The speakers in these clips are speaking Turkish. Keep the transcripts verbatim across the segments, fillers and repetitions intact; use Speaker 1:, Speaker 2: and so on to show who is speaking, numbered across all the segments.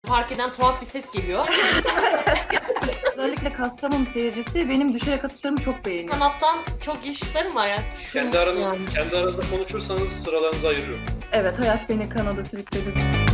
Speaker 1: fark eden tuhaf bir ses geliyor.
Speaker 2: Özellikle Kastamonu seyircisi benim düşerek atışlarımı çok beğeniyor.
Speaker 1: Sanattan çok işlerim var yani. Şu,
Speaker 3: Kendi aranız,
Speaker 1: yani.
Speaker 3: kendi aranızda konuşursanız sıralarınızı ayırıyorum.
Speaker 2: Evet, hayat beni Kanada sürükledi.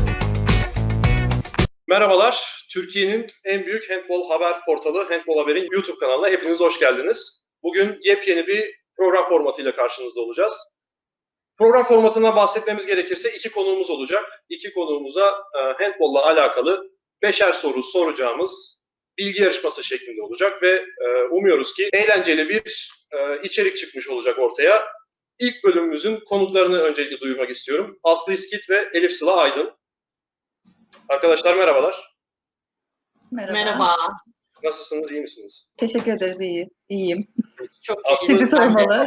Speaker 3: Merhabalar, Türkiye'nin en büyük handbol haber portalı Handbol Haber'in YouTube kanalına hepiniz hoş geldiniz. Bugün yepyeni bir program formatıyla karşınızda olacağız. Program formatından bahsetmemiz gerekirse iki konuğumuz olacak. İki konuğumuza e, handbolla alakalı beşer soru soracağımız bilgi yarışması şeklinde olacak ve e, umuyoruz ki eğlenceli bir e, içerik çıkmış olacak ortaya. İlk bölümümüzün konuklarını öncelikle duyurmak istiyorum. Aslı İskit ve Elif Sıla Aydın. Arkadaşlar merhabalar.
Speaker 2: Merhaba.
Speaker 1: Merhaba.
Speaker 3: Nasılsınız, iyi misiniz?
Speaker 2: Teşekkür ederiz, iyiyiz. İyiyim.
Speaker 1: Çok
Speaker 3: Aslı-
Speaker 2: Sizi sormalı.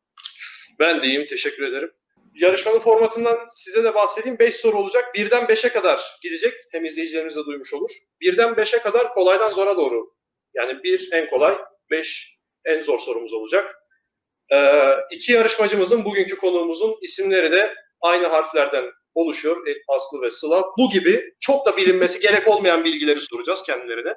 Speaker 3: Ben de iyiyim, teşekkür ederim. Yarışmanın formatından size de bahsedeyim. beş soru olacak. birden beşe kadar gidecek. Hem izleyicilerimiz de duymuş olur. birden beşe kadar kolaydan zora doğru. Yani bir en kolay, beş en zor sorumuz olacak. Ee, iki yarışmacımızın, bugünkü konuğumuzun isimleri de aynı harflerden oluşuyor. Aslı ve Sıla. Bu gibi çok da bilinmesi gerek olmayan bilgileri soracağız kendilerine.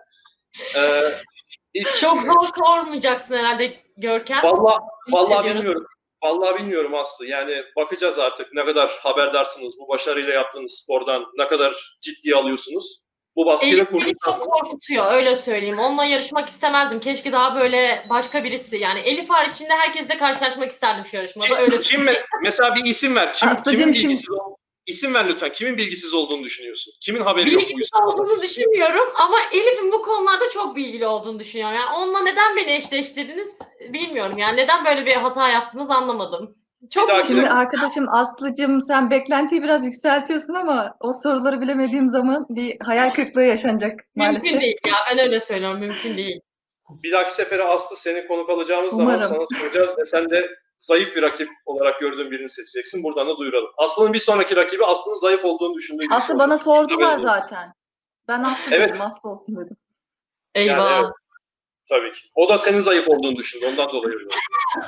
Speaker 3: Ee, ilk-
Speaker 1: Çok zor sormayacaksın herhalde Görkem.
Speaker 3: Vallahi, vallahi
Speaker 1: ediyoruz.
Speaker 3: bilmiyorum. Vallahi bilmiyorum Aslı. Yani bakacağız artık ne kadar haberdarsınız bu başarıyla yaptığınız spordan, ne kadar ciddiye alıyorsunuz. Bu baskıyla
Speaker 1: Elif beni
Speaker 3: kurduktan
Speaker 1: çok
Speaker 3: sonra.
Speaker 1: korkutuyor, öyle söyleyeyim. Onunla yarışmak istemezdim. Keşke daha böyle başka birisi. Yani Elif haricinde herkesle karşılaşmak isterdim şu yarışmada. Öyle
Speaker 3: Kim, kim me- mesela bir isim ver. Kim,
Speaker 2: Aslıcığım,
Speaker 3: kimin
Speaker 2: şimdi-
Speaker 3: bilgisiz ol- İsim ver lütfen. Kimin bilgisiz olduğunu düşünüyorsun? Kimin haberi yok bu
Speaker 1: Bilgisiz
Speaker 3: yüzden?
Speaker 1: olduğunu düşünmüyorum ama Elif'in bu konularda çok bilgili olduğunu düşünüyorum. Yani onunla neden beni eşleştirdiniz bilmiyorum. Yani neden böyle bir hata yaptınız anlamadım. Çok
Speaker 3: dahaki-
Speaker 2: Şimdi arkadaşım Aslı'cığım sen beklentiyi biraz yükseltiyorsun ama o soruları bilemediğim zaman bir hayal kırıklığı yaşanacak maalesef.
Speaker 1: mümkün değil ya. Ben öyle söylüyorum. Mümkün değil.
Speaker 3: Bir dahaki sefere Aslı seni konuk alacağımız
Speaker 2: Umarım.
Speaker 3: zaman sana soracağız ve sen de zayıf bir rakip olarak gördüğün birini seçeceksin. Buradan da duyuralım. Aslı'nın bir sonraki rakibi Aslı'nın zayıf olduğunu düşündüğü birisi
Speaker 2: Aslı
Speaker 3: olacak.
Speaker 2: bana sordular
Speaker 3: Haberiniz olsun.
Speaker 2: zaten. Ben Aslı
Speaker 3: Evet.
Speaker 2: dedim, Aslı olsun dedim.
Speaker 1: Eyvah.
Speaker 3: Yani evet. Tabii ki. O da senin zayıf olduğunu düşündü. Ondan dolayı öyle oldu.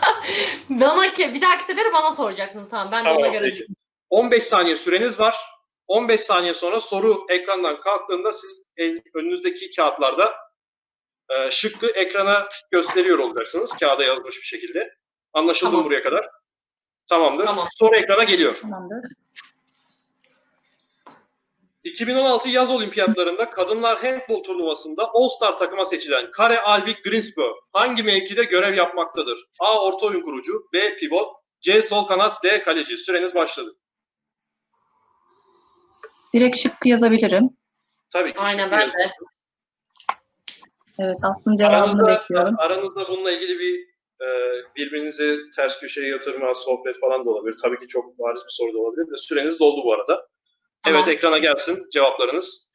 Speaker 1: Bana ki bir dahaki sefere bana soracaksınız tamam. Ben de ona
Speaker 3: Tamam
Speaker 1: göre
Speaker 3: peki.
Speaker 1: düşünürüm.
Speaker 3: on beş saniye süreniz var. on beş saniye sonra soru ekrandan kalktığında siz el, önünüzdeki kağıtlarda e, şıkkı ekrana gösteriyor olacaksınız. Kağıda yazmış bir şekilde. Anlaşıldı
Speaker 1: Tamam.
Speaker 3: mı buraya kadar? Tamamdır.
Speaker 1: Tamam.
Speaker 3: Soru ekrana geliyor.
Speaker 2: Tamamdır.
Speaker 3: iki bin on altı yaz olimpiyatlarında kadınlar handbol turnuvasında All-Star takıma seçilen Kare Alvik Greensbø hangi mevkide görev yapmaktadır? A. Orta oyun kurucu, B. Pivot, C. Sol kanat, D. Kaleci. Süreniz başladı.
Speaker 2: Direkt şık yazabilirim.
Speaker 3: Tabii ki.
Speaker 1: Aynen
Speaker 3: şık
Speaker 1: ben
Speaker 3: yazın.
Speaker 1: de.
Speaker 2: Evet, Aslı'nın cevabını
Speaker 3: Aranızda,
Speaker 2: bekliyorum.
Speaker 3: aranızda bununla ilgili bir e, birbirinizi ters köşeye yatırma, sohbet falan da olabilir. Tabii ki çok bariz bir soru da olabilir de süreniz doldu bu arada.
Speaker 1: Tamam.
Speaker 3: Evet, ekrana gelsin cevaplarınız.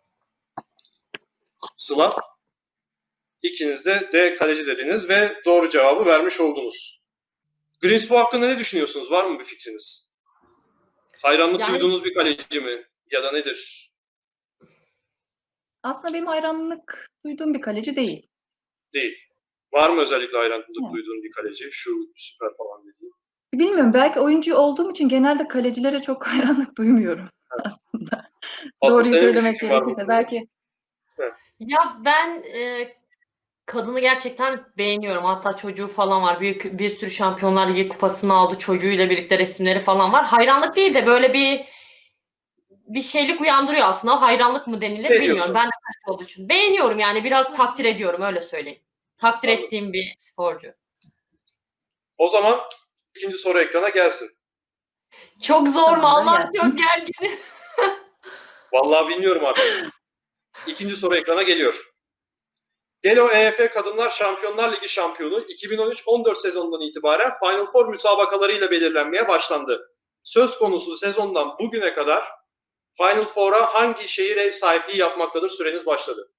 Speaker 3: Sıla. İkiniz de D kaleci dediniz ve doğru cevabı vermiş oldunuz. Greensboro hakkında ne düşünüyorsunuz? Var mı bir fikriniz? Hayranlık
Speaker 1: Yani-
Speaker 3: duyduğunuz bir kaleci mi? Ya da nedir?
Speaker 2: Aslında benim hayranlık duyduğum bir kaleci değil.
Speaker 3: Değil. Var mı özellikle hayranlık
Speaker 2: Evet.
Speaker 3: duyduğun bir kaleci? Şu süper falan dediğin.
Speaker 2: Bilmiyorum, belki oyuncu olduğum için genelde kalecilere çok hayranlık duymuyorum aslında.
Speaker 3: Aslı,
Speaker 2: Doğruyu
Speaker 3: senin bir
Speaker 2: söylemek
Speaker 3: fikrin var mı?
Speaker 2: gerekirse belki
Speaker 1: Ya ben e, kadını gerçekten beğeniyorum. Hatta çocuğu falan var. Büyük bir sürü Şampiyonlar Ligi kupasını aldı. Çocuğuyla birlikte resimleri falan var. Hayranlık değil de böyle bir bir şeylik uyandırıyor aslında. Hayranlık mı denilir
Speaker 3: Ne
Speaker 1: bilmiyorum.
Speaker 3: diyorsun?
Speaker 1: Ben de kaleci olduğu için. Beğeniyorum yani. Biraz takdir ediyorum öyle söyleyeyim. Takdir
Speaker 3: Anladım.
Speaker 1: ettiğim bir sporcu.
Speaker 3: O zaman ikinci soru ekrana gelsin.
Speaker 1: Çok zor mu?
Speaker 2: Tamamdır,
Speaker 1: Allah'ım
Speaker 2: gelsin.
Speaker 1: çok gerginim.
Speaker 3: Vallahi bilmiyorum artık. İkinci soru ekrana geliyor. Delo E F Kadınlar Şampiyonlar Ligi şampiyonu iki bin on üç on dört sezonundan itibaren Final Four müsabakalarıyla belirlenmeye başlandı. Söz konusu sezondan bugüne kadar Final Four'a hangi şehir ev sahipliği yapmaktadır? Süreniz başladı.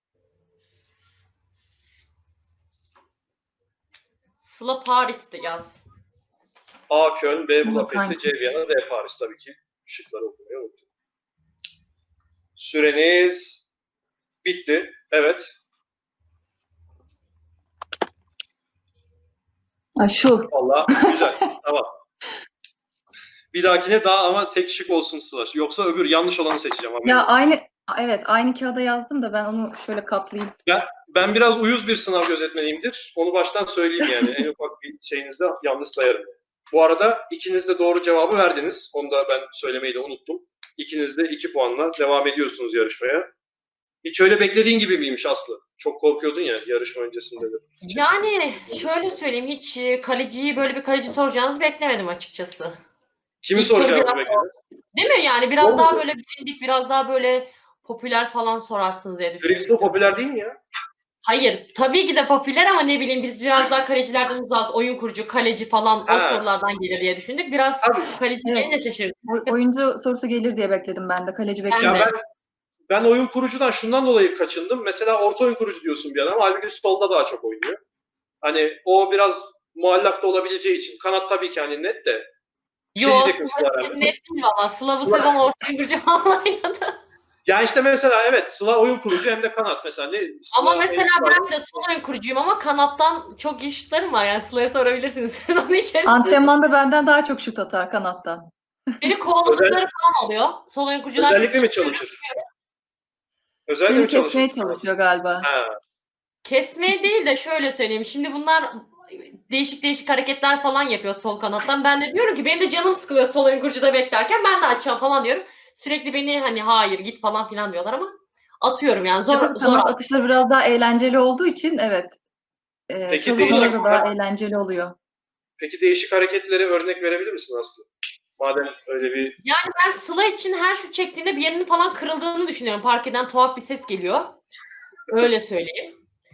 Speaker 1: Sıla Paris'ti yaz.
Speaker 3: A. Köln, B.
Speaker 2: Ama
Speaker 3: Budapeşte,
Speaker 2: hangi?
Speaker 3: C. Viyana, D. Paris. Tabii ki şıkları okumayı unuttum. Süreniz bitti. Evet.
Speaker 2: Ha, şu.
Speaker 3: Vallahi güzel. Tamam. Bir dahakine daha ama tek şık olsun Sıla. Yoksa öbür yanlış olanı seçeceğim. haberin
Speaker 2: Ya
Speaker 3: olsun.
Speaker 2: aynı Aa, evet, aynı kağıda yazdım da ben onu şöyle katlayayım.
Speaker 3: Ben, ben biraz uyuz bir sınav gözetmeniyimdir. Onu baştan söyleyeyim yani. En ufak bir şeyinizde yanlış sayarım. Bu arada ikiniz de doğru cevabı verdiniz. Onu da ben söylemeyi de unuttum. İkiniz de iki puanla devam ediyorsunuz yarışmaya. Hiç öyle beklediğin gibi miymiş Aslı? Çok korkuyordun ya yarışma öncesinde de.
Speaker 1: Yani şöyle söyleyeyim, hiç e, kaleciyi böyle bir kaleci soracağınızı beklemedim açıkçası.
Speaker 3: Kimi
Speaker 1: İlk soru
Speaker 3: soracağımızı
Speaker 1: biraz
Speaker 3: bekledin?
Speaker 1: değil mi? Yani biraz
Speaker 3: Zor
Speaker 1: daha
Speaker 3: muydu?
Speaker 1: böyle bilindik, biraz daha böyle popüler falan sorarsınız diye
Speaker 3: Cristo
Speaker 1: düşünmüştüm.
Speaker 3: popüler değil mi ya?
Speaker 1: Hayır, tabii ki de popüler ama ne bileyim biz biraz daha kalecilerden uzağız. Oyun kurucu, kaleci falan o
Speaker 3: Ha,
Speaker 1: sorulardan gelir diye düşündük. Biraz
Speaker 3: tabii.
Speaker 1: kaleci
Speaker 2: Evet,
Speaker 1: gelince şaşırdım.
Speaker 2: oy- oyuncu sorusu gelir diye bekledim ben de. Kaleci
Speaker 1: Ben
Speaker 3: Ya
Speaker 1: de.
Speaker 2: beklemedim.
Speaker 3: ben ben oyun kurucudan şundan dolayı kaçındım. Mesela orta oyun kurucu diyorsun bir adam. Halbuki solda daha çok oynuyor. Hani o biraz muallak da olabileceği için. Kanat tabii ki hani net de. Bir şey
Speaker 1: Yo,
Speaker 3: diyecektim
Speaker 1: Sıla
Speaker 3: Sıla herhalde.
Speaker 1: net değil valla. Sıla bu sezon orta kurucu falan oynadı.
Speaker 3: Ya işte mesela evet Sıla oyun kurucu hem de kanat mesela. Ne,
Speaker 1: Ama
Speaker 3: Sıla
Speaker 1: mesela
Speaker 3: en
Speaker 1: ben de sol oyun kurucuyum ama kanattan çok iyi şutlarım var. Yani Sıla'ya sorabilirsiniz sezon içerisinde.
Speaker 2: Antrenmanda benden daha çok şut atar kanattan.
Speaker 1: Beni
Speaker 3: özel,
Speaker 1: kovaladıkları falan oluyor. Sol oyun kurucudan şut
Speaker 3: özellikle mi
Speaker 1: çıkıyor.
Speaker 3: çalışır? Özellikle
Speaker 2: Beni
Speaker 3: mi çalışır?
Speaker 2: kesmeye çalışıyor galiba.
Speaker 3: Ha.
Speaker 1: Kesmeye değil de şöyle söyleyeyim. Şimdi bunlar değişik değişik hareketler falan yapıyor sol kanattan. Ben de diyorum ki benim de canım sıkılıyor sol oyun kurucuda beklerken ben de açacağım falan diyorum. Sürekli beni hani hayır git falan filan diyorlar ama atıyorum yani
Speaker 2: Ya
Speaker 1: zor
Speaker 2: tabii
Speaker 1: zor.
Speaker 2: kanat atışları biraz daha eğlenceli olduğu için evet, e,
Speaker 3: Peki
Speaker 2: çalışmaları
Speaker 3: değişik
Speaker 2: da daha eğlenceli oluyor.
Speaker 3: peki değişik hareketleri örnek verebilir misin Aslı? Madem öyle bir
Speaker 1: Yani ben Sıla için her şut çektiğinde bir yerinin falan kırıldığını düşünüyorum. Parkeden tuhaf bir ses geliyor. Öyle söyleyeyim.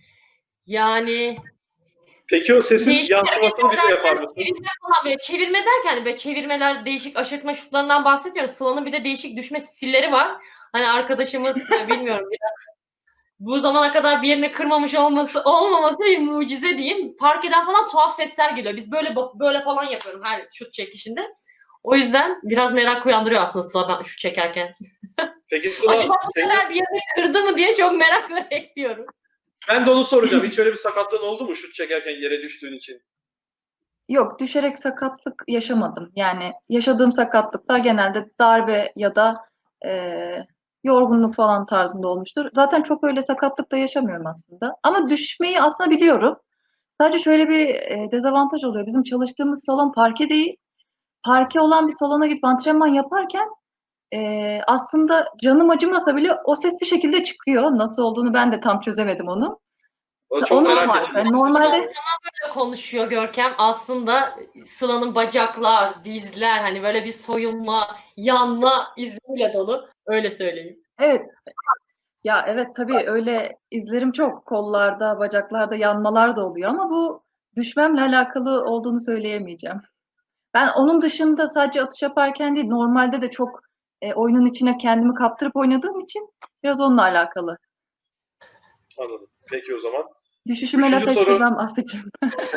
Speaker 1: Yani
Speaker 3: peki o sesin
Speaker 1: değişik
Speaker 3: yansımasını
Speaker 1: hareketler
Speaker 3: bize yapar
Speaker 1: derken
Speaker 3: mısın?
Speaker 1: çevirme falan böyle çevirme derken hani böyle çevirmeler değişik aşırtma şutlarından bahsediyoruz. Sıla'nın bir de değişik düşme stilleri var. Hani arkadaşımız e, bilmiyorum biraz bu zamana kadar bir yerini kırmamış olması olmaması bir mucize diyeyim. Parkeden falan tuhaf sesler geliyor. Biz böyle böyle falan yapıyorum her şut çekişinde. O yüzden biraz merak uyandırıyor aslında Sıla ben şut çekerken.
Speaker 3: Peki Sıla
Speaker 1: Acaba bu
Speaker 3: senin
Speaker 1: sefer bir yerini kırdı mı diye çok merakla bekliyorum.
Speaker 3: ben de onu soracağım. Hiç öyle bir sakatlığın oldu mu şut çekerken yere düştüğün için?
Speaker 2: Yok, düşerek sakatlık yaşamadım. Yani yaşadığım sakatlıklar genelde darbe ya da e, yorgunluk falan tarzında olmuştur. Zaten çok öyle sakatlık da yaşamıyorum aslında. Ama düşmeyi aslında biliyorum. Sadece şöyle bir e, dezavantaj oluyor. Bizim çalıştığımız salon parke değil. Parke olan bir salona gidip antrenman yaparken e, aslında canım acımasa bile o ses bir şekilde çıkıyor. Nasıl olduğunu ben de tam çözemedim onu.
Speaker 3: O çok
Speaker 2: Onun
Speaker 3: merak
Speaker 2: var.
Speaker 3: ettim.
Speaker 2: Yani
Speaker 1: Sıla
Speaker 2: normalde
Speaker 1: sana böyle konuşuyor Görkem. Aslında Sıla'nın bacaklar, dizler hani böyle bir soyulma, yanma izleriyle dolu. Öyle söyleyeyim.
Speaker 2: evet. Ya evet, tabii öyle izlerim çok. Kollarda, bacaklarda yanmalar da oluyor ama bu düşmemle alakalı olduğunu söyleyemeyeceğim. Ben onun dışında sadece atış yaparken değil, normalde de çok e, oyunun içine kendimi kaptırıp oynadığım için biraz onunla alakalı.
Speaker 3: Anladım. Peki o zaman.
Speaker 2: Düşüşüme laf
Speaker 3: Üçüncü soru.
Speaker 2: ettirmem Aslı'cığım.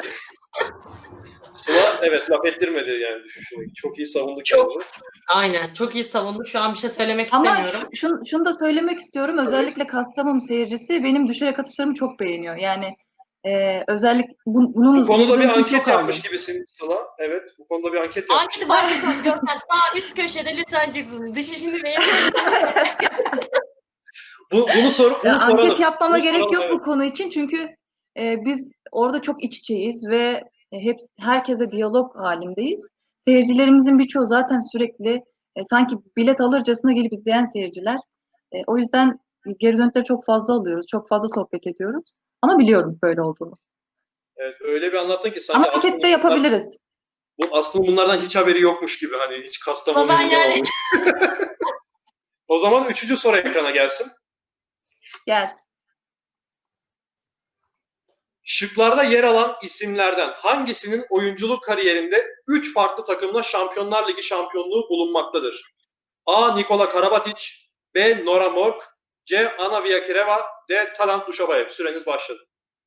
Speaker 3: Sıla evet laf ettirmedi yani düşüşüne. Çok iyi savundu
Speaker 1: Çok
Speaker 3: kendini.
Speaker 1: aynen. Çok iyi savundu. Şu an bir şey söylemek
Speaker 2: Ama
Speaker 1: istemiyorum.
Speaker 2: şu- şunu, şunu da söylemek istiyorum.
Speaker 3: Tabii.
Speaker 2: Özellikle Kastamonu seyircisi benim düşerek atışlarımı çok beğeniyor. Yani e, özellikle bu-
Speaker 3: Bu
Speaker 2: bunun geri
Speaker 3: konuda bir
Speaker 2: dönütünü
Speaker 3: anket
Speaker 2: çok
Speaker 3: yapmış
Speaker 2: aldım.
Speaker 3: gibisin Sıla. Evet bu konuda bir anket yapmış
Speaker 1: Anketi
Speaker 3: gibisin.
Speaker 1: başlatıyorum Görkem. Sağ üst köşede lütfen çıksın. Düşüşünü beğeniyor musun?
Speaker 3: Bu, bunu sor,
Speaker 2: Ya,
Speaker 3: bunu
Speaker 2: anket
Speaker 3: soralım.
Speaker 2: yapmama
Speaker 3: Bunu
Speaker 2: gerek
Speaker 3: soralım
Speaker 2: yok
Speaker 3: evet.
Speaker 2: bu konu için çünkü e, biz orada çok iç içeyiz ve e, hep herkese diyalog halindeyiz. Seyircilerimizin birçoğu zaten sürekli e, sanki bilet alırcasına gelip izleyen seyirciler. E, o yüzden geri dönütleri çok fazla alıyoruz, çok fazla sohbet ediyoruz. Ama biliyorum böyle olduğunu.
Speaker 3: Evet, öyle bir anlattın ki
Speaker 2: Ama
Speaker 3: sanki
Speaker 2: anket de
Speaker 3: aslında bunlar,
Speaker 2: yapabiliriz.
Speaker 3: bu aslında bunlardan hiç haberi yokmuş gibi hani hiç
Speaker 1: Ama ben
Speaker 3: Kastamonu'yu
Speaker 1: yani
Speaker 3: izlememiş. O zaman üçüncü soru ekrana gelsin.
Speaker 2: Gelsin.
Speaker 3: Şıklarda yer alan isimlerden hangisinin oyunculuk kariyerinde üç farklı takımla Şampiyonlar Ligi şampiyonluğu bulunmaktadır? A. Nikola Karabatic, B. Nora Mork, C. Ana Viyakireva, D. Talant Duşabayev. Süreniz başladı.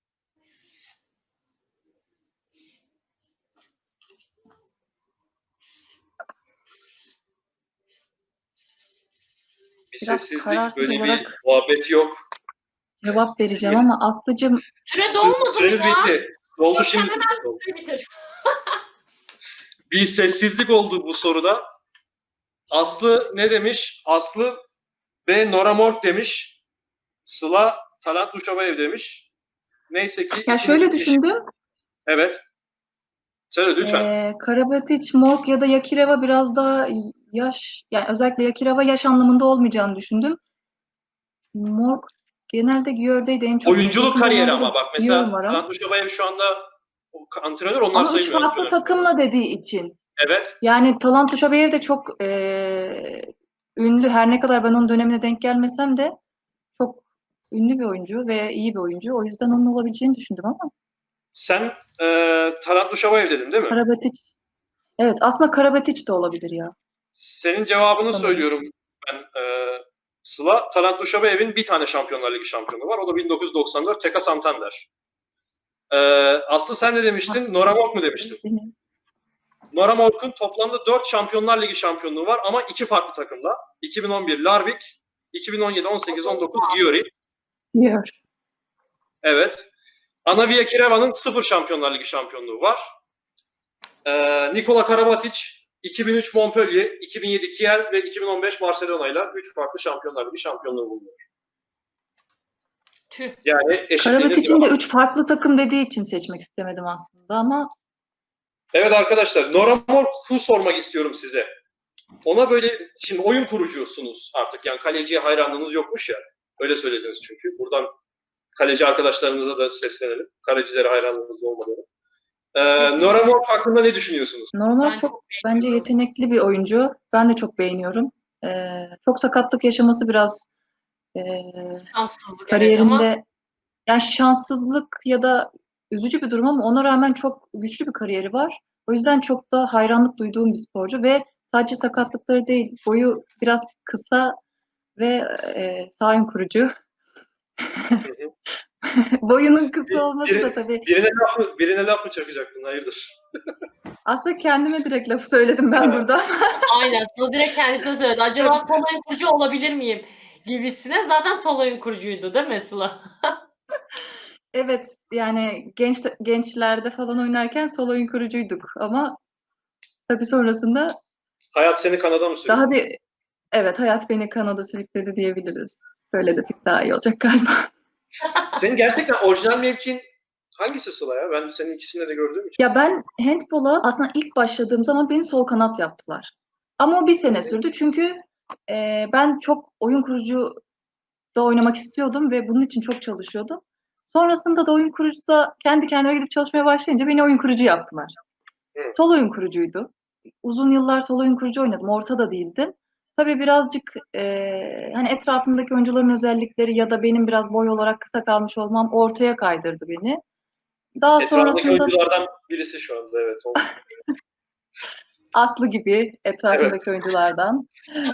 Speaker 3: Bir
Speaker 2: Biraz
Speaker 3: sessizlik,
Speaker 2: kararsız
Speaker 3: böyle bir
Speaker 2: olarak
Speaker 3: muhabbet yok.
Speaker 2: cevap vereceğim ama Aslı'cığım
Speaker 1: süre
Speaker 3: Sü-
Speaker 1: dolmadı mı
Speaker 3: Süreniz
Speaker 1: ya?
Speaker 3: bitti. Doldu
Speaker 1: Görkem
Speaker 3: şimdi.
Speaker 1: hemen süre bitir.
Speaker 3: Bir sessizlik oldu bu soruda. Aslı ne demiş? Aslı B. Nora Morg demiş. Sıla Talant Duşabayev demiş. Neyse ki...
Speaker 2: Ya şöyle düşündüm.
Speaker 3: Evet. Söyle lütfen.
Speaker 2: Ee, Karabatic, Morg ya da Yakireva biraz daha yaş, yani özellikle Yakireva yaş anlamında olmayacağını düşündüm. Morg genelde Györ'deydi en çok.
Speaker 3: Oyunculuk
Speaker 2: yakın
Speaker 3: kariyeri
Speaker 2: zamanda da
Speaker 3: ama bak
Speaker 2: Györ
Speaker 3: mesela
Speaker 2: var ama.
Speaker 3: Talant Duşabayev şu anda antrenör, onlar
Speaker 2: Ama üç
Speaker 3: sayılmıyor
Speaker 2: farklı
Speaker 3: antrenör.
Speaker 2: takımla dediği için.
Speaker 3: Evet.
Speaker 2: Yani Talant Duşabayev de çok e, ünlü. Her ne kadar ben onun dönemine denk gelmesem de çok ünlü bir oyuncu ve iyi bir oyuncu. O yüzden onun olabileceğini düşündüm ama
Speaker 3: Sen e, Talant Duşabayev dedin değil mi?
Speaker 2: Karabatic. Evet, aslında Karabatic de olabilir ya.
Speaker 3: Senin cevabını
Speaker 2: Sanırım.
Speaker 3: söylüyorum ben. E, Sıla, Talant Duşabayev'in bir tane Şampiyonlar Ligi şampiyonu var. O da bin dokuz yüz doksan dört Teka Santander. E, Aslı sen ne demiştin? Nora Morg mu demiştin?
Speaker 2: Benim.
Speaker 3: Nora Morg'un toplamda dört Şampiyonlar Ligi şampiyonluğu var ama iki farklı takımla. iki bin on bir Larvik, iki bin on yedi, on sekiz, on dokuz Győri.
Speaker 2: Győr.
Speaker 3: Evet. Anavia Kireva'nın sıfır Şampiyonlar Ligi şampiyonluğu var. Ee, Nikola Karabatic iki bin üç Montpellier, iki bin yedi Kiel ve iki bin on beş Barcelona ile üç farklı Şampiyonlar Ligi şampiyonluğu bulunuyor.
Speaker 1: Tüh.
Speaker 3: Yani eşitliğiniz
Speaker 2: Karabatic'in
Speaker 3: gibi.
Speaker 2: de üç farklı takım dediği için seçmek istemedim aslında ama
Speaker 3: Evet arkadaşlar, Nora Morg'u sormak istiyorum size. Ona böyle, şimdi oyun kurucusunuz artık, yani kaleciye hayranlığınız yokmuş ya. Öyle söylediniz çünkü. Buradan kaleci arkadaşlarımıza da seslenelim. Kalecilere hayranlığınız olmadığını. Ee, Nora Morg hakkında ne düşünüyorsunuz?
Speaker 2: normal
Speaker 1: Ben
Speaker 2: çok,
Speaker 1: çok
Speaker 2: bence
Speaker 1: beğeniyorum.
Speaker 2: yetenekli bir oyuncu. Ben de çok beğeniyorum. Ee, çok sakatlık yaşaması biraz e,
Speaker 1: Şanssızlık evet
Speaker 2: kariyerinde
Speaker 1: ama
Speaker 2: yani şanssızlık ya da üzücü bir durum ama ona rağmen çok güçlü bir kariyeri var. O yüzden çok da hayranlık duyduğum bir sporcu ve sadece sakatlıkları değil, boyu biraz kısa ve e, sağ ön kurucu. Boyunun kısa olması da
Speaker 3: Bir,
Speaker 2: tabii.
Speaker 3: birine, laf mı, birine laf mı çakacaktın? Hayırdır?
Speaker 2: Aslında kendime direkt lafı söyledim ben
Speaker 3: Ha.
Speaker 2: burada.
Speaker 1: aynen. Sana direkt kendisine söyledi. Acaba sol oyun kurucu olabilir miyim? Gibisine. Zaten sol oyun kurucuydu değil mi Sıla?
Speaker 2: Evet, yani genç gençlerde falan oynarken sol oyun kurucuyduk ama tabii sonrasında
Speaker 3: Hayat seni Kanada mı sürükledi?
Speaker 2: daha bir evet hayat beni Kanada sürükledi diyebiliriz. Böyle desek daha iyi olacak galiba.
Speaker 3: Senin gerçekten orijinal mevkin hangisi Sıla ya? Ben senin ikisinde de gördüğüm için.
Speaker 2: Ya ben handbola aslında ilk başladığım zaman beni sol kanat yaptılar. Ama o bir sene sürdü çünkü e, ben çok oyun kurucu da oynamak istiyordum ve bunun için çok çalışıyordum. Sonrasında da oyun kurucuda kendi kendime gidip çalışmaya başlayınca beni oyun kurucu yaptılar.
Speaker 3: Hı.
Speaker 2: Sol oyun kurucuydu. Uzun yıllar sol oyun kurucu oynadım. Orta da değildim. Tabii birazcık e, hani etrafımdaki oyuncuların özellikleri ya da benim biraz boy olarak kısa kalmış olmam ortaya kaydırdı beni. Daha
Speaker 3: Etrafındaki
Speaker 2: sonrasında
Speaker 3: oyunculardan birisi şu anda, evet. O.
Speaker 2: Aslı gibi etrafımdaki oyunculardan.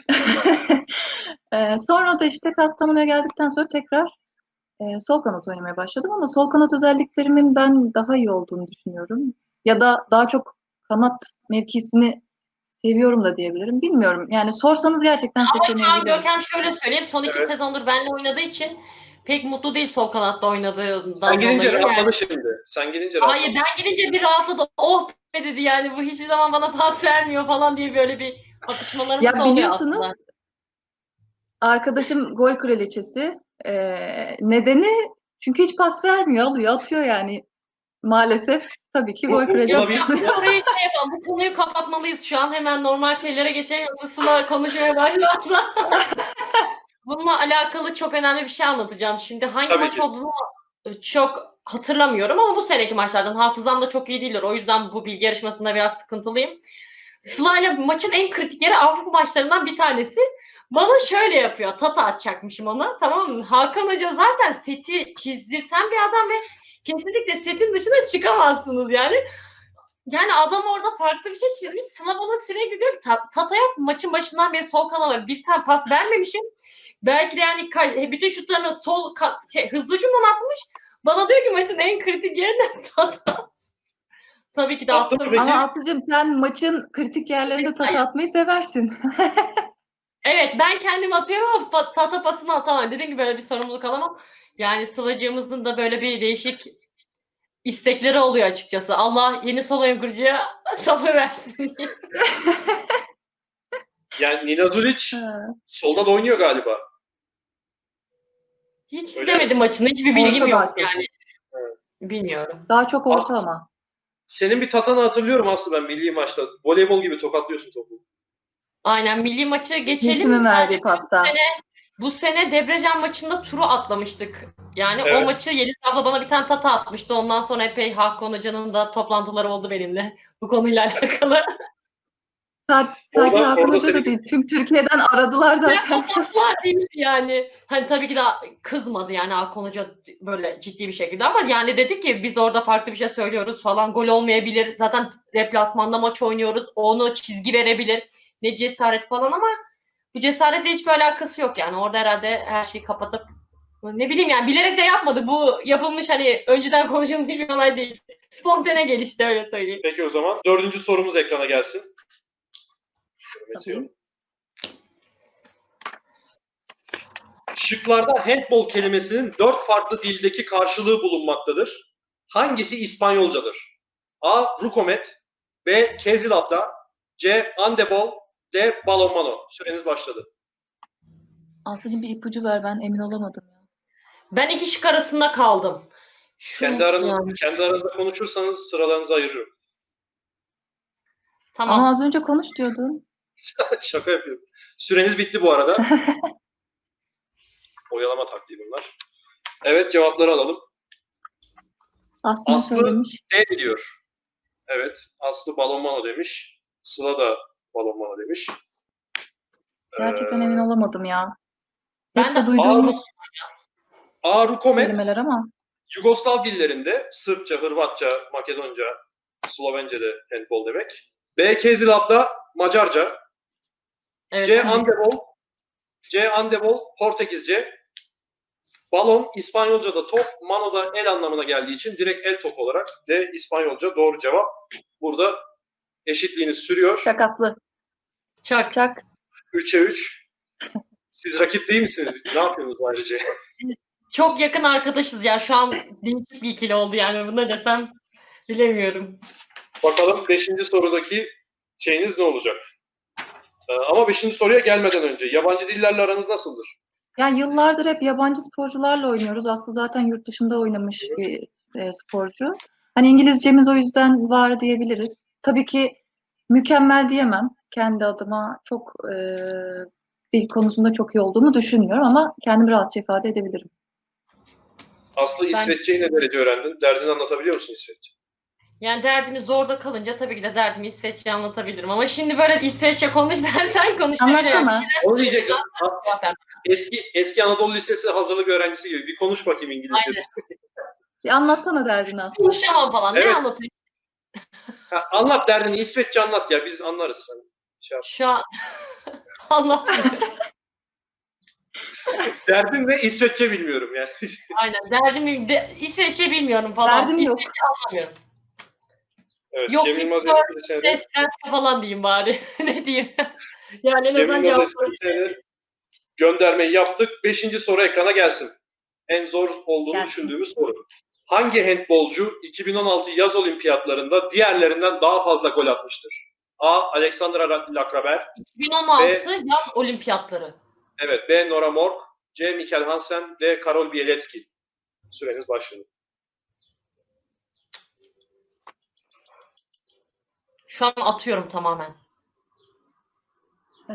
Speaker 2: Ee, sonra da işte Kastamonu'ya geldikten sonra tekrar e, sol kanat oynamaya başladım ama sol kanat özelliklerimin ben daha iyi olduğunu düşünüyorum. Ya da daha çok kanat mevkisini seviyorum da diyebilirim. Bilmiyorum. Yani sorsanız gerçekten
Speaker 1: Ama şu an
Speaker 2: seçemeyebilirim.
Speaker 1: Görkem şöyle söyleyeyim. Son iki
Speaker 3: Evet.
Speaker 1: sezondur benimle oynadığı için pek mutlu değil sol kanatta
Speaker 3: Sen
Speaker 1: oynadığından
Speaker 3: gidince
Speaker 1: dolayı.
Speaker 3: rahatladı
Speaker 1: Yani,
Speaker 3: şimdi. Sen gidince rahatladı.
Speaker 1: hayır ben gidince bir rahatladı. Oh be dedi yani bu hiçbir zaman bana pas vermiyor falan diye böyle bir atışmalarımız
Speaker 2: Ya
Speaker 1: da oluyor
Speaker 2: biliyorsunuz
Speaker 1: aslında.
Speaker 2: arkadaşım gol kraliçesi. Ee, nedeni çünkü hiç pas vermiyor, alıyor, atıyor yani. Maalesef tabii ki
Speaker 3: Bu,
Speaker 2: gol
Speaker 3: bu, buna
Speaker 2: kraliçesi.
Speaker 3: bir,
Speaker 1: Bu konuyu şey yapalım. Bu konuyu kapatmalıyız şu an. Hemen normal şeylere geçelim. Yoksa Sıla konuşmaya başlarsa. Bununla alakalı çok önemli bir şey anlatacağım. Şimdi hangi
Speaker 3: Tabii
Speaker 1: maç
Speaker 3: ki.
Speaker 1: olduğunu çok hatırlamıyorum ama bu seneki maçlardan hafızam da çok iyi değildir. O yüzden bu bilgi yarışmasında biraz sıkıntılıyım. Sıla'yla maçın en kritik yeri Avrupa maçlarından bir tanesi. Bana şöyle yapıyor. Tata atacakmışım ona. Tamam mı? Hakan Hoca zaten seti çizdirten bir adam ve kesinlikle setin dışına çıkamazsınız yani. Yani adam orada farklı bir şey çizmiş. Sıla bana sürekli diyor ki Tata'ya maçın başından beri sol kanala bir tane pas vermemişim. Belki de yani bütün şutlarını sol şey, hızlıcından atmış. Bana diyor ki maçın en kritik yerinden Tata. Tabii ki de
Speaker 3: Attı mı
Speaker 1: attım.
Speaker 3: peki?
Speaker 2: Ama Aslı'cığım sen maçın kritik yerlerinde tata atmayı seversin.
Speaker 1: Evet ben kendim atıyorum ama Tata pasını atamam. Dediğim gibi böyle bir sorumluluk alamam. Yani Sıla'cığımızın da böyle bir değişik istekleri oluyor açıkçası. Allah yeni sol oyun kurucuya sabır versin diye.
Speaker 3: Yani Nina Zulic solda da oynuyor galiba.
Speaker 1: Hiç
Speaker 3: Öyle
Speaker 1: izlemedim maçını. Hiçbir bilgim
Speaker 2: Orta
Speaker 1: yok
Speaker 2: daha çok.
Speaker 1: yani.
Speaker 3: Evet.
Speaker 1: Bilmiyorum.
Speaker 2: Daha çok orta
Speaker 3: Aslı,
Speaker 2: ama.
Speaker 3: senin bir tatanı hatırlıyorum Aslı ben milli maçta. Voleybol gibi tokatlıyorsun topu.
Speaker 1: Aynen milli maçı geçelim.
Speaker 2: Mesi'nin
Speaker 1: Sadece
Speaker 2: verdiği pasta.
Speaker 1: bu sene Debrecen maçında turu atlamıştık. Yani o
Speaker 3: Evet.
Speaker 1: maçı Yeliz abla bana bir tane tata atmıştı. Ondan sonra epey Hakan Hoca'nın da toplantıları oldu benimle bu konuyla alakalı.
Speaker 2: Sa- Sadece
Speaker 3: Orada,
Speaker 2: Hakan
Speaker 3: orada
Speaker 2: Hoca
Speaker 3: seni
Speaker 2: da değil. Tüm Türkiye'den aradılar
Speaker 1: Ya
Speaker 2: zaten.
Speaker 1: toplantılar değil yani. Hani tabii ki de kızmadı yani Hakan Hoca böyle ciddi bir şekilde ama yani dedi ki biz orada farklı bir şey söylüyoruz falan gol olmayabilir. Zaten deplasmanda maç oynuyoruz. Onu çizgi verebilir. Ne cesaret falan ama bu cesaretle hiçbir alakası yok yani. Orada herhalde her şeyi kapatıp ne bileyim yani bilerek de yapmadı. Bu yapılmış hani önceden konuşulmuş bir olay değil. Spontane gelişti öyle söyleyeyim.
Speaker 3: Peki o zaman dördüncü sorumuz ekrana gelsin.
Speaker 2: Tabii.
Speaker 3: Şıklarda handball kelimesinin dört farklı dildeki karşılığı bulunmaktadır. Hangisi İspanyolcadır? A. Rukomet, B. Kezilabda, C. Andebol, D. Balonmano. Süreniz başladı.
Speaker 2: Aslıcığım bir ipucu ver, ben emin olamadım ya.
Speaker 1: Ben iki şık arasında kaldım. Şu
Speaker 3: Kendi aranızda,
Speaker 1: yani.
Speaker 3: kendi aranızda konuşursanız sıralarınızı ayırıyorum.
Speaker 1: Tamam.
Speaker 2: Ama az önce konuş diyordun.
Speaker 3: Şaka yapıyorum. Süreniz bitti bu arada. Oyalama taktiği bunlar. Evet, cevapları alalım.
Speaker 2: Aslı ne
Speaker 3: Aslı
Speaker 2: söylemiş?
Speaker 3: D diyor. Evet, Aslı balonmano demiş. Sıla da balonmano demiş.
Speaker 2: Gerçekten
Speaker 3: Ee,
Speaker 2: emin olamadım ya.
Speaker 1: Ben
Speaker 2: Hep
Speaker 1: de
Speaker 2: de duyduğumuz
Speaker 3: A. Rukomet,
Speaker 2: kelimeler ama.
Speaker 3: Yugoslav dillerinde Sırpça, Hırvatça, Makedonca, Slovence'de handball demek. B. Kezilab'da Macarca.
Speaker 1: evet.
Speaker 3: C. Andebol, C. Andebol Portekizce. Balon İspanyolca'da top, mano'da el anlamına geldiği için direkt el top olarak D. İspanyolca doğru cevap. Burada eşitliğiniz sürüyor.
Speaker 2: Şakaslı.
Speaker 1: Çak.
Speaker 2: Çak.
Speaker 3: üçe üç. Siz rakip değil misiniz? Ne yapıyorsunuz ayrıca?
Speaker 1: Çok yakın arkadaşız ya. Şu an değişik bir ikili oldu yani. Bunu desem bilemiyorum.
Speaker 3: Bakalım beşinci sorudaki şeyiniz ne olacak? Ee, ama beşinci soruya gelmeden önce yabancı dillerle aranız nasıldır?
Speaker 2: Ya yıllardır hep yabancı sporcularla oynuyoruz. Aslı zaten yurt dışında oynamış bir e, sporcu. Hani İngilizcemiz o yüzden var diyebiliriz. Tabii ki mükemmel diyemem. Kendi adıma çok e, dil konusunda çok iyi olduğumu düşünmüyorum ama kendimi rahatça ifade edebilirim.
Speaker 3: Aslı
Speaker 1: Ben
Speaker 3: İsveççeyi ne derece öğrendin? Derdini anlatabiliyor musun İsveççe?
Speaker 1: yani derdimi zorda kalınca tabii ki de derdimi İsveççe anlatabilirim. Ama şimdi böyle İsveççe konuş dersen konuşabilirim. Yani bir
Speaker 2: Anlatsana.
Speaker 1: şeyler
Speaker 3: Onu
Speaker 1: söyleyeyim
Speaker 3: diyecektim.
Speaker 1: zaten cevap vermem.
Speaker 3: Eski eski Anadolu Lisesi hazırlık öğrencisi gibi bir konuş bakayım İngilizce.
Speaker 1: Aynen.
Speaker 2: Bir anlatsana derdini Aslı.
Speaker 1: Konuşamam falan. Ne
Speaker 3: Evet.
Speaker 1: anlatayım?
Speaker 3: Ha, anlat derdini İsveççe anlat ya biz anlarız sen. Şey yap.
Speaker 1: Şu an anlatmıyorum.
Speaker 3: Derdin ne? İsveççe bilmiyorum yani.
Speaker 1: Aynen. Derdimi de, İsveççe bilmiyorum falan.
Speaker 2: Derdim yok.
Speaker 1: İsveççe anlamıyorum.
Speaker 3: Evet,
Speaker 1: Yok
Speaker 3: Cem Yılmaz
Speaker 1: Victor,
Speaker 3: esprisine de
Speaker 1: Espresso falan diyeyim bari. Ne diyeyim? Yani en
Speaker 3: Cem
Speaker 1: azından
Speaker 3: Yılmaz
Speaker 1: cevap
Speaker 3: esprisine de göndermeyi yaptık. Beşinci soru ekrana gelsin. En zor olduğunu
Speaker 2: Gelsin.
Speaker 3: düşündüğümüz soru. Hangi handbolcu iki bin on altı yaz olimpiyatlarında diğerlerinden daha fazla gol atmıştır? A. Alexandra Lacraber,
Speaker 1: iki bin on altı yaz olimpiyatları.
Speaker 3: evet B. Nora Mork, C. Mikkel Hansen, D. Karol Bielecki. Süreniz başladı.
Speaker 1: Şu an atıyorum tamamen.
Speaker 2: Ee,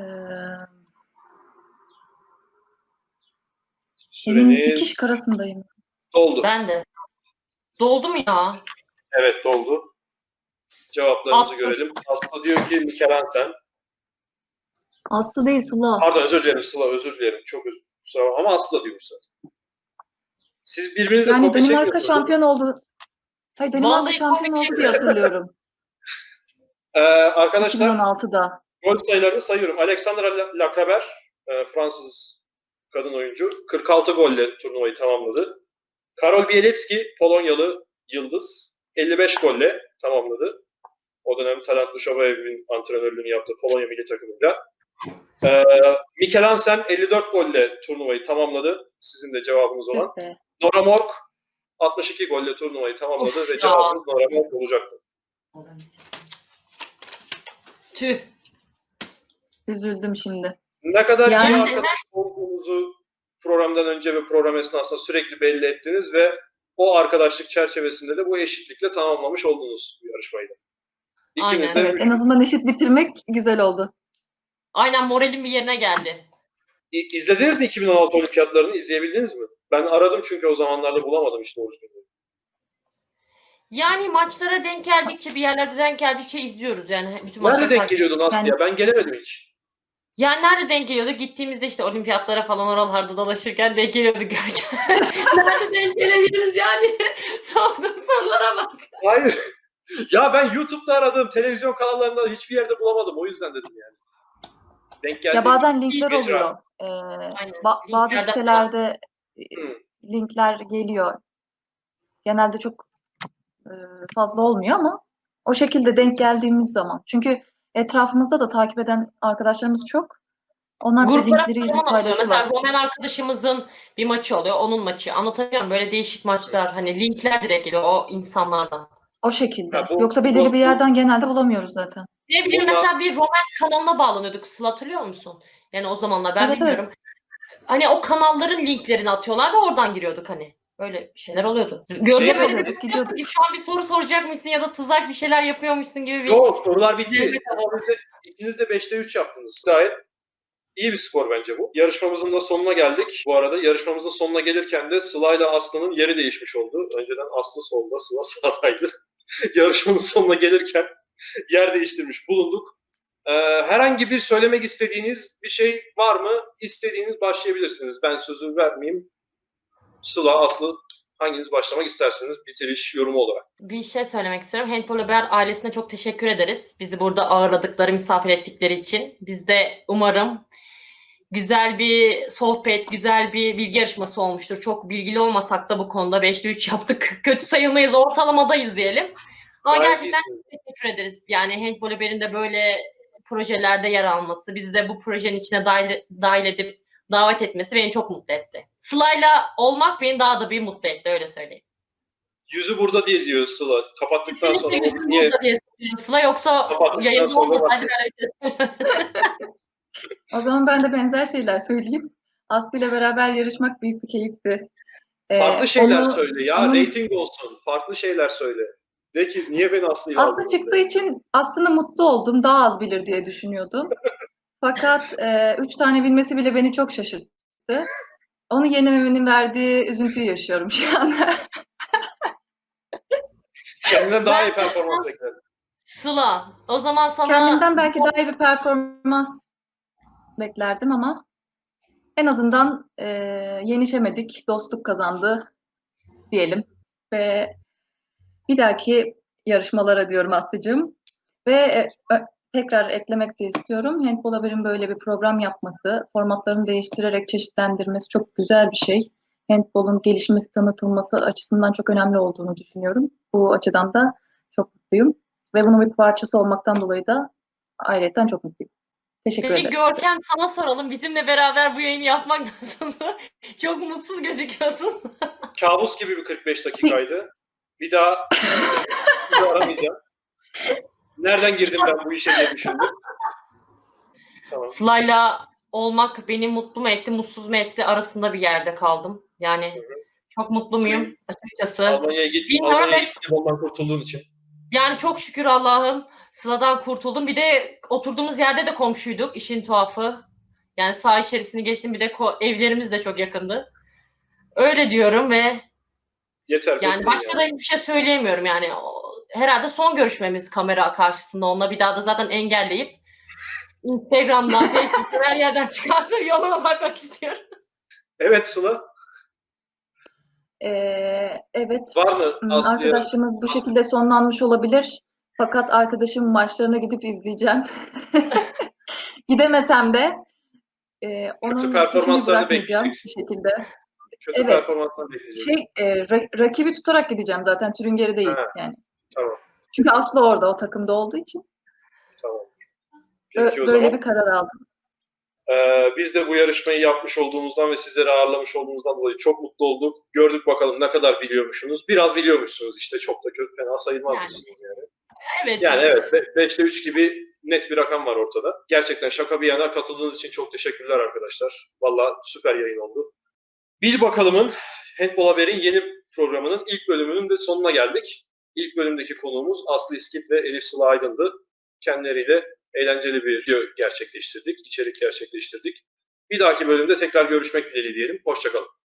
Speaker 2: emin iki
Speaker 3: Süreniz
Speaker 2: şık arasındayım.
Speaker 3: doldu.
Speaker 1: Ben de. Doldu mu ya?
Speaker 3: Evet doldu. Cevaplarınızı
Speaker 1: Attım.
Speaker 3: görelim. Aslı diyor ki Mikkel Hansen.
Speaker 2: Aslı değil Sıla.
Speaker 3: Pardon özür dilerim Sıla özür dilerim. Çok özür dilerim. Ama Aslı da diyormuş zaten. Siz birbirinize
Speaker 2: Yani
Speaker 3: kopya
Speaker 2: Danimarka
Speaker 3: çekmiyorsunuz. değil mi?
Speaker 2: şampiyon oldu. Hayır, Danimarka
Speaker 1: Vallahi
Speaker 2: şampiyon
Speaker 1: komik
Speaker 2: oldu diye hatırlıyorum.
Speaker 3: Ee, arkadaşlar
Speaker 2: iki bin on altıda.
Speaker 3: gol sayılarını sayıyorum. Alexandra Lacraber, e, Fransız kadın oyuncu, kırk altı golle turnuvayı tamamladı. Karol Bielecki, Polonyalı yıldız, elli beş golle tamamladı. O dönem Talant Dushobayev'in antrenörlüğünü yaptı Polonya milli takımıyla. Ee, Mikkel Hansen elli dört golle turnuvayı tamamladı. Sizin de cevabınız olan.
Speaker 2: Tüh be.
Speaker 3: Nora Mork altmış iki golle turnuvayı tamamladı
Speaker 1: Of
Speaker 3: ve
Speaker 1: ya.
Speaker 3: cevabınız Nora Mork olacaktı.
Speaker 1: Tüh.
Speaker 2: Üzüldüm şimdi.
Speaker 3: Ne kadar
Speaker 2: Yani-
Speaker 3: iyi arkadaş olduğunuzu programdan önce ve program esnasında sürekli belli ettiniz ve o arkadaşlık çerçevesinde de bu eşitlikle tamamlamış oldunuz bu yarışmayı da. İkiniz
Speaker 1: Aynen.
Speaker 3: de
Speaker 2: Evet, en
Speaker 3: üç-
Speaker 2: azından eşit bitirmek güzel oldu.
Speaker 1: Aynen, moralim bir yerine geldi.
Speaker 3: İ- İzlediniz mi iki bin on altı olimpiyatlarını? İzleyebildiniz mi? Ben aradım çünkü o zamanlarda bulamadım işte orijinalini.
Speaker 1: Yani maçlara denk geldikçe, bir yerlerde denk geldikçe izliyoruz yani bütün
Speaker 3: Nerede
Speaker 1: maçları
Speaker 3: denk
Speaker 1: takip.
Speaker 3: geliyordun Aslı
Speaker 2: Yani-
Speaker 3: ya? Ben gelemedim hiç.
Speaker 1: Yani nerede denk geliyordu? Gittiğimizde işte olimpiyatlara falan oralarda dolaşırken denk geliyorduk Görkem. Nerede denk gelebiliriz yani? Sorduğun sorulara bak.
Speaker 3: Hayır. Ya ben YouTube'da aradım. Televizyon kanallarında hiçbir yerde bulamadım. O yüzden dedim yani. Denk geldi.
Speaker 2: Ya bazen linkler
Speaker 3: Mecra.
Speaker 2: oluyor. Ee,
Speaker 1: Aynen.
Speaker 2: ba- bazı
Speaker 1: Linklerden
Speaker 2: sitelerde e,
Speaker 3: Hı.
Speaker 2: linkler geliyor. Genelde çok e, fazla olmuyor ama o şekilde denk geldiğimiz zaman. Çünkü etrafımızda da takip eden arkadaşlarımız çok. Onlar bize
Speaker 1: Gruplara
Speaker 2: linkleri
Speaker 1: falan atılıyor. Mesela
Speaker 2: paylaşıyorlar.
Speaker 1: Roman arkadaşımızın bir maçı oluyor. Onun maçı. Anlatabiliyor muyum? Böyle değişik maçlar. Hani linkler direkt geliyor o insanlardan.
Speaker 2: O şekilde.
Speaker 3: Ha, bu-
Speaker 2: Yoksa belirli
Speaker 3: bu-
Speaker 2: bir yerden genelde bulamıyoruz zaten.
Speaker 1: Ne bileyim,
Speaker 3: Bununla-
Speaker 1: mesela bir Roman kanalına bağlanıyorduk. Sıla, hatırlıyor musun? Yani o zamanlar ben
Speaker 2: Evet,
Speaker 1: bilmiyorum. Hani o kanalların linklerini atıyorlar da oradan giriyorduk hani. Öyle şeyler oluyordu. Görkem
Speaker 3: Şey
Speaker 1: öyle bir
Speaker 2: oluyorduk,
Speaker 1: bakıyorsun
Speaker 2: gidiyorduk.
Speaker 1: ki şu an bir soru soracakmışsın ya da tuzak bir şeyler yapıyormuşsun gibi bir...
Speaker 3: Yok, sorular bitti.
Speaker 1: Evet, evet.
Speaker 3: İkiniz de, ikiniz de beşte üç yaptınız. Gayet iyi bir skor bence bu. Yarışmamızın da sonuna geldik. Bu arada yarışmamızın sonuna gelirken de Sıla ile Aslı'nın yeri değişmiş oldu. Önceden Aslı solda, Sıla sağdaydı. Yarışmanın sonuna gelirken yer değiştirmiş bulunduk. Ee, herhangi bir söylemek istediğiniz bir şey var mı? İstediğiniz başlayabilirsiniz. Ben sözü vermeyeyim. Sıla, Aslı, hanginiz başlamak istersiniz bitiriş yorumu olarak?
Speaker 1: Bir şey söylemek istiyorum. Handball Haber ailesine çok teşekkür ederiz. Bizi burada ağırladıkları, misafir ettikleri için. Biz de umarım güzel bir sohbet, güzel bir bilgi yarışması olmuştur. Çok bilgili olmasak da bu konuda beşte üç yaptık. Kötü sayılmayız, ortalamadayız diyelim. Ama
Speaker 3: Gayet
Speaker 1: gerçekten
Speaker 3: iyisiniz.
Speaker 1: teşekkür ederiz. Yani Handball Haber'in de böyle projelerde yer alması, bizi de bu projenin içine dahil, dahil edip davet etmesi beni çok mutlu etti. Sıla'yla olmak beni daha da bir mutlu etti, öyle söyleyeyim.
Speaker 3: Yüzü burada değil diyor Sıla. Kapattıktan sonra
Speaker 1: Kesinlikle
Speaker 3: o niye
Speaker 1: burada diye söylüyorum Sıla, yoksa
Speaker 3: Kapattıktan
Speaker 1: yayında
Speaker 3: sonra
Speaker 1: olmasaydı
Speaker 3: bak.
Speaker 2: O zaman ben de benzer şeyler söyleyeyim. Aslı ile beraber yarışmak büyük bir keyifti. Ee,
Speaker 3: farklı şeyler
Speaker 2: onu-
Speaker 3: söyle ya.
Speaker 2: onun-
Speaker 3: Rating olsun. Farklı şeyler söyle. De ki niye beni Aslı'yla
Speaker 2: Aslı
Speaker 3: aldınız
Speaker 2: çıktığı
Speaker 3: de.
Speaker 2: için aslında mutlu oldum. Daha az bilir diye düşünüyordum. Fakat e, üç tane bilmesi bile beni çok şaşırttı. Onu yenememenin verdiği üzüntüyü yaşıyorum şu anda.
Speaker 3: Kendinden daha
Speaker 1: Ben-
Speaker 3: iyi performans bekledim.
Speaker 1: Sıla, o zaman sana
Speaker 2: Kendimden belki daha iyi bir performans beklerdim ama en azından e, yenişemedik. Dostluk kazandı diyelim. Ve bir dahaki yarışmalara diyorum Aslı'cığım. Ve e, ö- tekrar eklemek de istiyorum. Handball Haber'in böyle bir program yapması, formatlarını değiştirerek çeşitlendirmesi çok güzel bir şey. Handball'un gelişmesi, tanıtılması açısından çok önemli olduğunu düşünüyorum. Bu açıdan da çok mutluyum. Ve bunun bir parçası olmaktan dolayı da ayrıca çok mutluyum. Teşekkür
Speaker 1: Peki
Speaker 2: ederim.
Speaker 1: Görkem, sana soralım. Bizimle beraber bu yayını yapmak nasıl? Çok mutsuz gözüküyorsun.
Speaker 3: Kabus gibi bir kırk beş dakikaydı. Bir daha, bir daha aramayacağım. Nereden girdim ben bu işe diye düşündüm. Tamam.
Speaker 1: Sıla'yla olmak beni mutlu mu etti, mutsuz mu etti arasında bir yerde kaldım. Yani çok mutlu muyum açıkçası.
Speaker 3: Almanya'ya git,
Speaker 1: Bilmiyorum,
Speaker 3: Almanya'ya
Speaker 1: evet.
Speaker 3: gittim ondan kurtulduğun için.
Speaker 1: Yani çok şükür Allah'ım Sıla'dan kurtuldum. Bir de oturduğumuz yerde de komşuyduk, işin tuhafı. Yani saha içerisini geçtim, bir de ko- evlerimiz de çok yakındı. Öyle diyorum ve
Speaker 3: Yeter.
Speaker 1: yani
Speaker 3: bitti
Speaker 1: başka da hiçbir şey söyleyemiyorum yani. O- Herhalde son görüşmemiz kamera karşısında. Onunla bir daha da zaten engelleyip Instagram'dan, Facebook'tan her yerden çıkartıp yoluna bakmak istiyorum.
Speaker 3: Evet Sıla.
Speaker 2: Ee, evet,
Speaker 3: Var mı
Speaker 2: hmm,
Speaker 3: Aslı'ya?
Speaker 2: arkadaşlığımız bu şekilde sonlanmış olabilir. Fakat arkadaşımın maçlarına gidip izleyeceğim. Gidemesem de e, onun peşini
Speaker 3: performanslarını
Speaker 2: bırakmayacağım
Speaker 3: bekleyeceksin.
Speaker 2: bir şekilde.
Speaker 3: Kötü
Speaker 2: Evet.
Speaker 3: performanslar bekleyeceğim.
Speaker 2: Şey, e, ra- rakibi tutarak gideceğim zaten, Türünger'i değil
Speaker 3: Ha.
Speaker 2: yani.
Speaker 3: Tamam.
Speaker 2: Çünkü Aslı orada o takımda olduğu için
Speaker 3: Tamam.
Speaker 2: ö-
Speaker 3: Peki o
Speaker 2: böyle
Speaker 3: zaman.
Speaker 2: bir karar aldım.
Speaker 3: Ee, biz de bu yarışmayı yapmış olduğumuzdan ve sizleri ağırlamış olduğumuzdan dolayı çok mutlu olduk. Gördük bakalım ne kadar biliyormuşsunuz. Biraz biliyormuşsunuz işte. Çok da kötü, fena sayılmazmışsınız yani.
Speaker 1: Evet.
Speaker 3: Yani evet beşte üç gibi net bir rakam var ortada. Gerçekten şaka bir yana katıldığınız için çok teşekkürler arkadaşlar. Valla süper yayın oldu. Bil Bakalım'ın Handball Haber'in yeni programının ilk bölümünün de sonuna geldik. İlk bölümdeki konuğumuz Aslı İskit ve Elif Sıla Aydın'dı. Kendileriyle eğlenceli bir video gerçekleştirdik, içerik gerçekleştirdik. Bir dahaki bölümde tekrar görüşmek dileğiyle diyelim. Hoşça kalın.